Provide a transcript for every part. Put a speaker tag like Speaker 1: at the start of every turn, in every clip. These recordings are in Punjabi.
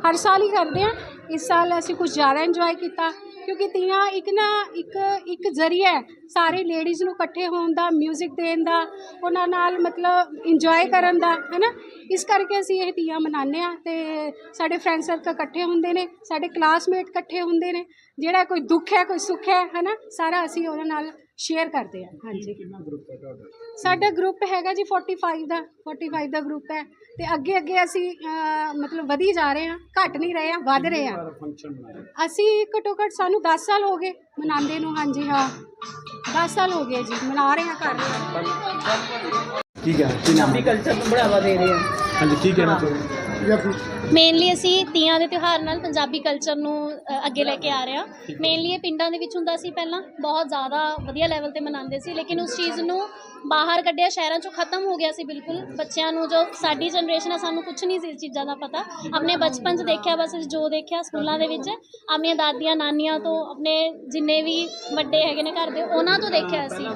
Speaker 1: हर साल ही करते हैं। इस साल असी कुछ ज़्यादा इंजॉय किया क्योंकि तीयां एक जरिया है सारी लेडीज़ नूं इकट्ठे होण दा, म्यूजिक देण दा, उन्हां नाल मतलब इंजॉय करन दा, है ना। इस करके असीं ये तीयां मनाने आ ते साडे फ्रेंड सर्कल इकट्ठे हुंदे ने, साडे क्लासमेट इकट्ठे हुंदे ने, जेहड़ा कोई दुख है कोई सुख है ना, सारा असीं उहदे नाल शेयर करते हैं। हाँ जी, साडा ग्रुप हैगा जी 45 का ग्रुप है ते अगे अगे असी मतलब वधी जा रहे हैं, घट नहीं रहे हैं, वध रहे हैं। असी घट्टो घट्ट सानू 10 साल हो गए मनांदे नूं। हाँ जी, हाँ 10 साल हो गए जी, मना रहे हैं, कर रहे हैं।
Speaker 2: ठीक है, पंजाबी कल्चर ਨੂੰ बढ़ावा दे रहे हैं। हाँ जी, ठीक है ना।
Speaker 3: ਮੇਨਲੀ ਅਸੀਂ ਤੀਆਂ ਦੇ ਤਿਉਹਾਰ ਨਾਲ ਪੰਜਾਬੀ ਕਲਚਰ ਨੂੰ ਅੱਗੇ ਲੈ ਕੇ ਆ ਰਹੇ ਹਾਂ। ਮੇਨਲੀ ਇਹ ਪਿੰਡਾਂ ਦੇ ਵਿੱਚ ਹੁੰਦਾ ਸੀ, ਪਹਿਲਾਂ ਬਹੁਤ ਜ਼ਿਆਦਾ ਵਧੀਆ ਲੈਵਲ ਤੇ ਮਨਾਉਂਦੇ ਸੀ, ਲੇਕਿਨ ਉਸ ਚੀਜ਼ ਨੂੰ ਬਾਹਰ ਕੱਢਿਆ, ਸ਼ਹਿਰਾਂ 'ਚੋਂ ਖਤਮ ਹੋ ਗਿਆ ਸੀ ਬਿਲਕੁਲ। ਬੱਚਿਆਂ ਨੂੰ, ਜੋ ਸਾਡੀ ਜਨਰੇਸ਼ਨ ਆ, ਸਾਨੂੰ ਕੁਛ ਨਹੀਂ ਸੀ ਇਸ ਚੀਜ਼ਾਂ ਦਾ ਪਤਾ। ਆਪਣੇ ਬਚਪਨ 'ਚ ਦੇਖਿਆ, ਬਸ ਜੋ ਦੇਖਿਆ ਸਕੂਲਾਂ ਦੇ ਵਿੱਚ ਆਪਣੀਆਂ ਦਾਦੀਆਂ ਨਾਨੀਆਂ ਤੋਂ, ਆਪਣੇ ਜਿੰਨੇ ਵੀ ਵੱਡੇ ਹੈਗੇ ਨੇ ਘਰ ਦੇ, ਉਹਨਾਂ ਤੋਂ ਦੇਖਿਆ ਅਸੀਂ।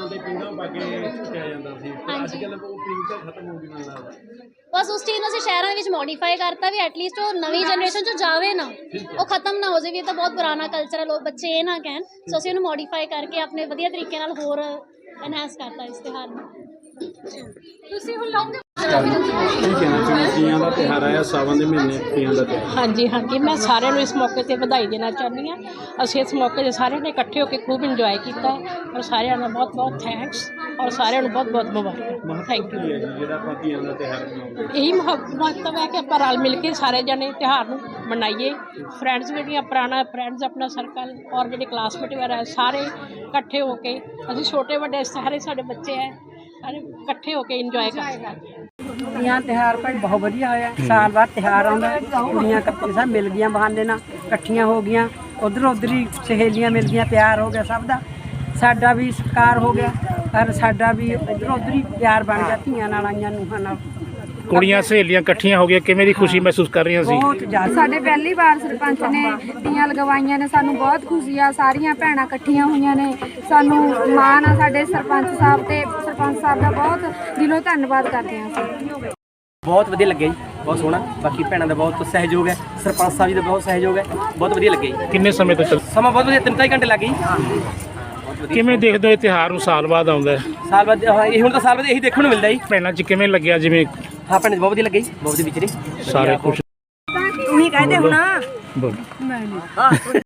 Speaker 3: ਬਸ ਉਸ ਚੀਜ਼ ਨੂੰ ਅਸੀਂ ਸ਼ਹਿਰਾਂ ਦੇ ਵਿੱਚ ਮੋਡੀਫਾਈ ਕਰਤਾ ਵੀ ਐਟਲੀਸਟ ਉਹ ਨਵੀਂ ਜਨਰੇਸ਼ਨ 'ਚ ਜਾਵੇ ਨਾ, ਉਹ ਖਤਮ ਨਾ ਹੋ ਜਾਵੇ। ਇਹ ਤਾਂ ਬਹੁਤ ਪੁਰਾਣਾ ਕਲਚਰ ਹੈ, ਲੋਕ ਬੱਚੇ ਇਹ ਨਾ ਕਹਿਣ। ਸੋ ਅਸੀਂ ਉਹਨੂੰ ਮੋਡੀਫਾਈ ਕਰਕੇ ਆਪਣੇ ਵਧੀਆ ਤਰੀਕੇ ਨਾਲ ਹੋਰ ਐਨਹਾਂਸ ਕਰਤਾ ਇਸ ਤਿਉਹਾਰ ਨੂੰ। ਤੁਸੀਂ ਹੁਣ ਲਾਉਂਗੇ
Speaker 2: ਤੀਆਂ ਦਾ ਤਿਉਹਾਰ ਆਇਆ, ਸਾਵਣ ਦੇ ਮਹੀਨੇ ਤੀਆਂ ਦਾ ਤਿਉਹਾਰ।
Speaker 4: ਹਾਂਜੀ ਹਾਂਜੀ, ਮੈਂ ਸਾਰਿਆਂ ਨੂੰ ਇਸ ਮੌਕੇ 'ਤੇ ਵਧਾਈ ਦੇਣਾ ਚਾਹੁੰਦੀ ਹਾਂ। ਅਸੀਂ ਇਸ ਮੌਕੇ 'ਤੇ ਸਾਰਿਆਂ ਨੇ ਇਕੱਠੇ ਹੋ ਕੇ ਖੂਬ ਇੰਜੋਏ ਕੀਤਾ ਹੈ, ਔਰ ਸਾਰਿਆਂ ਦਾ ਬਹੁਤ ਬਹੁਤ ਥੈਂਕਸ, ਔਰ ਸਾਰਿਆਂ ਨੂੰ ਬਹੁਤ ਬਹੁਤ ਮੁਬਾਰਕਾਂ। Thank you.
Speaker 2: ਜਿਹੜਾ ਆਪਾਂ ਤੀਆਂ ਦਾ ਤਿਉਹਾਰ ਮਨਾਉਂਦੇ,
Speaker 4: ਇਹੀ ਮਹੱਤਵ ਹੈ ਕਿ ਆਪਾਂ ਰਲ ਮਿਲ ਕੇ ਸਾਰੇ ਜਣੇ ਤਿਉਹਾਰ ਨੂੰ ਮਨਾਈਏ। ਫਰੈਂਡਸ ਜਿਹੜੀਆਂ ਪੁਰਾਣਾ ਫਰੈਂਡਸ, ਆਪਣਾ ਸਰਕਲ, ਔਰ ਜਿਹੜੇ ਕਲਾਸਮੇਟ ਵਗੈਰਾ ਸਾਰੇ ਇਕੱਠੇ ਹੋ ਕੇ, ਅਸੀਂ ਛੋਟੇ ਵੱਡੇ ਸਾਰੇ ਸਾਡੇ ਬੱਚੇ ਹੈ, ਸਾਰੇ ਇਕੱਠੇ ਹੋ ਕੇ ਇੰਜੋਏ ਕਰਦੇ ਹਾਂ।
Speaker 5: ਤੀਆਂ ਤਿਉਹਾਰ ਭਾਈ ਬਹੁਤ ਵਧੀਆ ਹੋਇਆ। ਸਾਲ ਬਾਅਦ ਤਿਉਹਾਰ ਆਉਂਦਾ, ਕੁੜੀਆਂ ਇਕੱਠੀਆਂ ਸਭ ਮਿਲ ਗਈਆਂ, ਬਹਾਨੇ ਨਾਲ ਇਕੱਠੀਆਂ ਹੋ ਗਈਆਂ, ਉੱਧਰ ਹੀ ਸਹੇਲੀਆਂ ਮਿਲ ਗਈਆਂ, ਪਿਆਰ ਹੋ ਗਿਆ ਸਭ ਦਾ, ਸਾਡਾ ਵੀ ਸਤਿਕਾਰ ਹੋ ਗਿਆ, ਪਰ ਸਾਡਾ ਵੀ ਉੱਧਰ ਹੀ ਪਿਆਰ ਬਣ ਗਿਆ ਧੀਆਂ ਨਾਲ, ਆਈਆਂ ਨੂੰਹਾਂ ਨਾਲ।
Speaker 2: ਕੁੜੀਆਂ ਸਹੇਲੀਆਂ ਇਕੱਠੀਆਂ ਹੋ ਗਈਆਂ, ਕਿਵੇਂ ਦੀ ਖੁਸ਼ੀ ਮਹਿਸੂਸ ਕਰ ਰਹੀਆਂ ਸੀ?
Speaker 5: ਬਹੁਤ ਜ਼ਿਆਦਾ।
Speaker 6: ਸਾਡੇ ਪਹਿਲੀ ਵਾਰ ਸਰਪੰਚ ਨੇ ਤੀਆਂ ਲਗਵਾਈਆਂ ਨੇ, ਸਾਨੂੰ ਬਹੁਤ ਖੁਸ਼ੀ ਆ। ਸਾਰੀਆਂ ਭੈਣਾਂ ਇਕੱਠੀਆਂ ਹੋਈਆਂ ਨੇ, ਸਾਨੂੰ ਮਾਣ ਆ ਸਾਡੇ ਸਰਪੰਚ ਸਾਹਿਬ ਤੇ ਸਰਪੰਚ ਸਾਹਿਬ ਦਾ ਬਹੁਤ ਦਿਲੋਂ ਧੰਨਵਾਦ ਕਰਦੇ ਹਾਂ ਅਸੀਂ।
Speaker 7: ਬਹੁਤ ਵਧੀਆ ਲੱਗਿਆ ਜੀ, ਬਹੁਤ ਸੋਹਣਾ। ਬਾਕੀ ਭੈਣਾਂ ਦਾ ਬਹੁਤ ਸਹਿਯੋਗ ਹੈ, ਸਰਪੰਚ ਸਾਹਿਬ ਜੀ ਦਾ ਬਹੁਤ ਸਹਿਯੋਗ ਹੈ, ਬਹੁਤ ਵਧੀਆ ਲੱਗਿਆ ਜੀ।
Speaker 2: ਕਿੰਨੇ ਸਮੇਂ ਤੋਂ
Speaker 7: ਸਮਾਂ ਬਹੁਤ ਵਧੀਆ, 3-4 ਘੰਟੇ ਲੱਗ ਗਏ ਜੀ।
Speaker 2: ਕਿਵੇਂ ਦੇਖਦੇ ਹੋ ਇਹ ਤਿਉਹਾਰ ਨੂੰ ਸਾਲ ਬਾਅਦ ਆਉਂਦਾ ਹੈ?
Speaker 7: ਸਾਲ ਬਾਅਦ ਇਹ ਹੁਣ ਤਾਂ ਸਾਲ ਬਾਅਦ ਇਹੀ ਦੇਖਣ ਨੂੰ ਮਿਲਦਾ ਜੀ।
Speaker 2: ਭੈਣਾਂ 'ਚ ਕਿਵੇਂ ਲੱਗਿਆ? ਜਿਵੇਂ
Speaker 7: ਹਾਂ ਭੈਣਾਂ ਬਹੁਤ ਵਧੀਆ ਲੱਗਿਆ ਜੀ, ਬਹੁਤ ਵਧੀਆ ਵਿਚਰੇ
Speaker 2: ਸਾਰੇ ਖੁਸ਼।
Speaker 5: ਤੂੰ ਹੀ ਕਹਿੰਦੇ ਹੁਣ
Speaker 2: ਬੋਲੋ।